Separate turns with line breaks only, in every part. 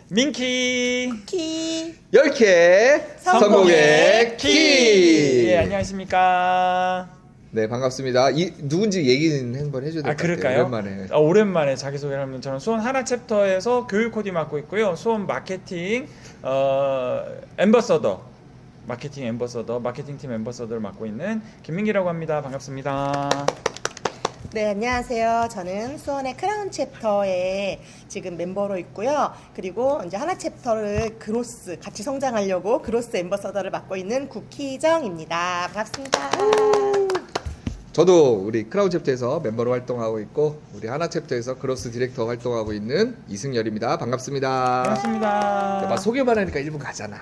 민키
키
10개 성공의 키.
예, 안녕하십니까.
네, 반갑습니다. 누군지 얘기는 한번 해줘야 될 것 같아요.
그럴까요?
오랜만에.
오랜만에 자기소개를 하면 저는 수원 하나 챕터에서 교육 코디 맡고 있고요. 수원 마케팅 엠버서더 마케팅 팀 엠버서더를 맡고 있는 김민기라고 합니다. 반갑습니다.
네, 안녕하세요. 저는 수원의 크라운 챕터에 지금 멤버로 있고요. 그리고 이제 하나 챕터를 그로스 같이 성장하려고 그로스 엠버서더를 맡고 있는 구키정입니다. 반갑습니다.
저도 우리 크라운 챕터에서 멤버로 활동하고 있고 우리 하나 챕터에서 그로스 디렉터 활동하고 있는 이승열입니다. 반갑습니다.
반갑습니다.
막 소개만 하니까 1분 가잖아.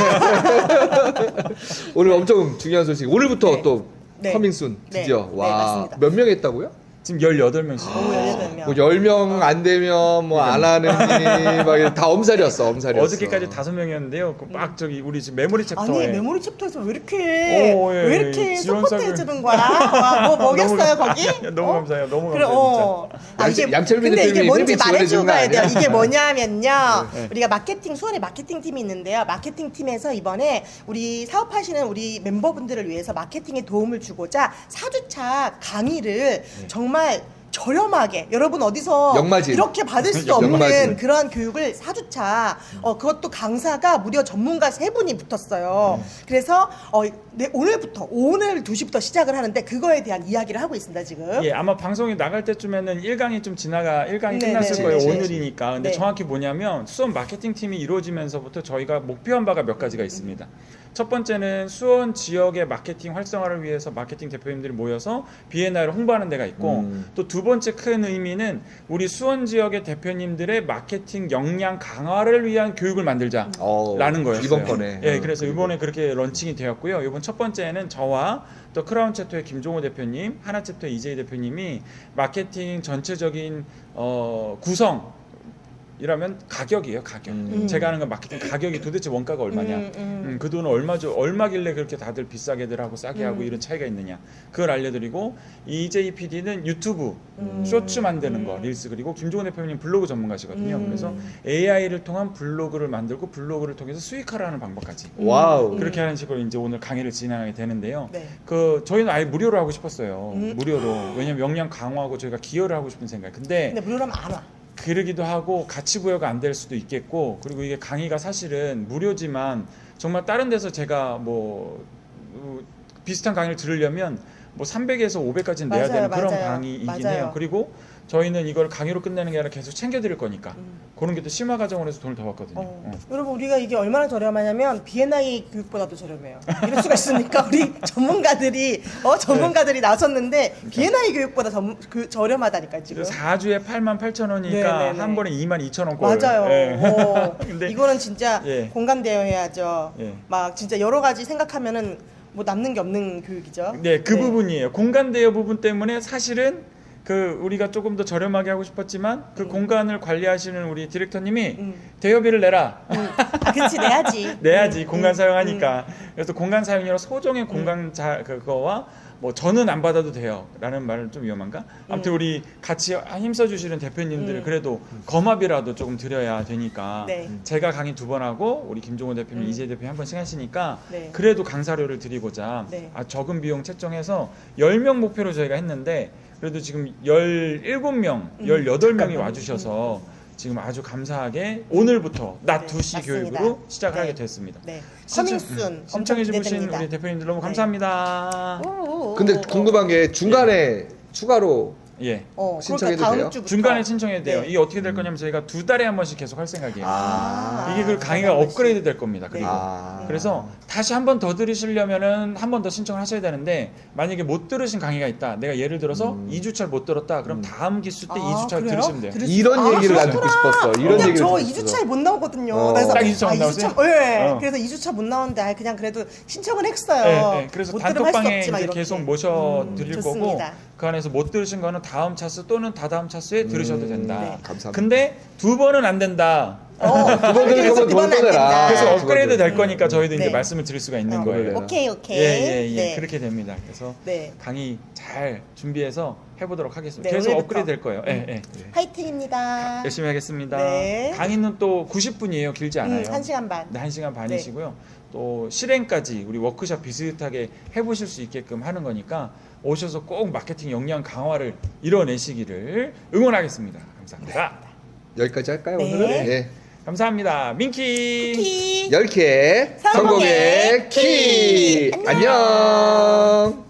오늘 엄청 중요한 소식. 오늘부터
네.
또
네.
커밍순 드디어.
네.
와,
네, 맞습니다.
몇 명 했다고요?
지금 18명씩.
오, 18명.
뭐 10명 안 되면 뭐 안 하느니 막 다 엄살이었어.
어저께까지 5명이었는데요. 막 저기 우리 지금 메모리 챕터에
아니, 메모리 챕터에서 왜 이렇게
오, 예,
왜 이렇게
지원사를-
서포트해 주는 거야? 와, 뭐 먹였어요, 거기?
너무 감사해요. 너무
그래,
감사해요. 진짜.
양철민
근데 이게
대표님이
뭔지
팬미 지원해주는
말해주고
거
가야 돼요.
아니야?
이게 뭐냐면요.
네.
우리가 수원에 마케팅 팀이 있는데요. 마케팅 팀에서 이번에 우리 사업하시는 우리 멤버분들을 위해서 마케팅에 도움을 주고자 4주차 강의를 정말 저렴하게 여러분 어디서
역마진.
이렇게 받을 수 없는
역마진.
그러한 교육을 4주차 그것도 강사가 무려 전문가 3분이 붙었어요. 그래서 오늘부터 오늘 2시부터 시작을 하는데 그거에 대한 이야기를 하고 있습니다 지금.
예, 아마 방송이 나갈 때쯤에는 1강이 좀 1강이
네,
끝났을
네,
거예요.
네, 네.
오늘이니까. 근데
네.
정확히 뭐냐면 수원 마케팅 팀이 이루어지면서부터 저희가 목표한 바가 몇 가지가 있습니다. 첫 번째는 수원 지역의 마케팅 활성화를 위해서 마케팅 대표님들이 모여서 비엔나를 홍보하는 데가 있고 또 두 번째 큰 의미는 우리 수원 지역의 대표님들의 마케팅 역량 강화를 위한 교육을 만들자라는 거였어요.
이번 번에.
예, 그래서 이번에 그렇게 런칭이 되었고요. 이번 첫 번째는 저와 또 크라운 챕터의 김종호 대표님, 하나 챕터 이재희 대표님이 마케팅 전체적인 구성 이라면 가격이에요, 가격. 제가 하는 건 마케팅 가격이 도대체 원가가 얼마냐. 그 돈은 얼마길래 그렇게 다들 비싸게들 하고 싸게 하고 이런 차이가 있느냐. 그걸 알려드리고 이재희 PD는 유튜브 쇼츠 만드는 거, 릴스 그리고 김종원 대표님 블로그 전문가시거든요. 그래서 AI를 통한 블로그를 만들고 블로그를 통해서 수익화를 하는 방법까지.
와우.
그렇게 하는 식으로 이제 오늘 강의를 진행하게 되는데요.
네.
저희는 아예 무료로 하고 싶었어요. 무료로. 왜냐면 역량 강화하고 저희가 기여를 하고 싶은 생각. 근데
무료라면 안 와.
그러기도 하고 가치 부여가 안 될 수도 있겠고 그리고 이게 강의가 사실은 무료지만 정말 다른 데서 제가 비슷한 강의를 들으려면 300에서 500까지는 내야
맞아요,
되는 그런
맞아요.
강의이긴
맞아요.
해요. 그리고 저희는 이걸 강의로 끝내는 게 아니라 계속 챙겨드릴 거니까 그런 게 또 심화 과정으로 해서 돈을 더 받거든요.
여러분 우리가 이게 얼마나 저렴하냐면 B&I 교육보다도 저렴해요. 이럴 수가 있습니까? 우리 전문가들이 나섰는데 B&I 교육보다 저렴하다니까 지금.
4주에 88,000원이니까
네네네.
한 번에 22,000원 꼴.
맞아요.
근데
이거는 진짜
예.
공감대여 해야죠.
예.
막 진짜 여러 가지 생각하면은 남는 게 없는 교육이죠.
네, 그 부분이에요. 공간 대여 부분 때문에 사실은 우리가 조금 더 저렴하게 하고 싶었지만 그 공간을 관리하시는 우리 디렉터님이 대여비를 내라.
그렇지 내야지.
내야지 공간 사용하니까. 그래서 공간 사용료로 소정의 공간 그거와 저는 안 받아도 돼요 라는 말은 좀 위험한가? 아무튼 우리 같이 힘써 주시는 대표님들을 그래도 거마비라도 조금 드려야 되니까
네.
제가 강의 2번 하고 우리 김종호 대표님, 이재희 대표님 한 번씩 하시니까
네.
그래도 강사료를 드리고자
네.
적은 비용 책정해서 10명 목표로 저희가 했는데 그래도 지금 17명, 18명이 와주셔서 지금 아주 감사하게 오늘부터 낮 2시
맞습니다.
교육으로 시작을
네.
하게 됐습니다.
네. 커밍순
신청해 주신
기대됩니다.
우리 대표님들 너무
네.
감사합니다.
근데 궁금한 게 중간에 추가로
예.
신청해도
그러니까 다음
돼요?
주부터.
중간에 신청해도 돼요.
네.
이게 어떻게 될 거냐면 저희가 2달에 한 번씩 계속 할 생각이에요. 이게 그 강의가
한 번씩.
업그레이드 될 겁니다. 그리고
아.
그래서 다시 한 번 더 들으시려면은 한 번 더 신청을 하셔야 되는데 만약에 못 들으신 강의가 있다. 내가 예를 들어서 2주차를 못 들었다. 그럼 다음 기수 때 2주차를
그래요?
들으시면 돼요.
이런 얘기를 난 듣고 싶었어. 이런
그냥
얘기를
저
듣고
2주차에 못 나오거든요.
딱
2주차 못 나오세요?
네.
어.
그래서 2주차 못 나오는데 그냥 그래도 신청을 했어요.
네, 그래서
못 들으면 할수
단톡방에
없지만
이제
이렇게.
계속 모셔 드릴 거고
좋습니다.
그 안에서 못 들으신 거는 다음 차수 또는 다다음 차수에 들으셔도 된다.
네.
감사합니다.
근데 2번은 안 된다.
두번 들은 거면 돈 떠내라.
그래서
아,
업그레이드 될
음.
거니까 저희도 이제
네.
말씀을 드릴 수가 있는
어.
거예요.
오케이.
예.
네.
그렇게 됩니다. 그래서
네.
강의 잘 준비해서 해보도록 하겠습니다.
네,
계속
오늘부터.
업그레이드 될 거예요. 예, 예.
화이팅입니다.
열심히 하겠습니다.
네.
강의는 또 90분이에요. 길지 않아요.
1시간 반.
네, 1시간 반이시고요. 또 실행까지 우리 워크숍 비슷하게 해보실 수 있게끔 하는 거니까 오셔서 꼭 마케팅 역량 강화를 이뤄내시기를 응원하겠습니다. 감사합니다.
여기까지 할까요
네.
오늘은? 예.
감사합니다. 민키.
키.
10개
성공의
성공의 키.
키. 안녕.
안녕.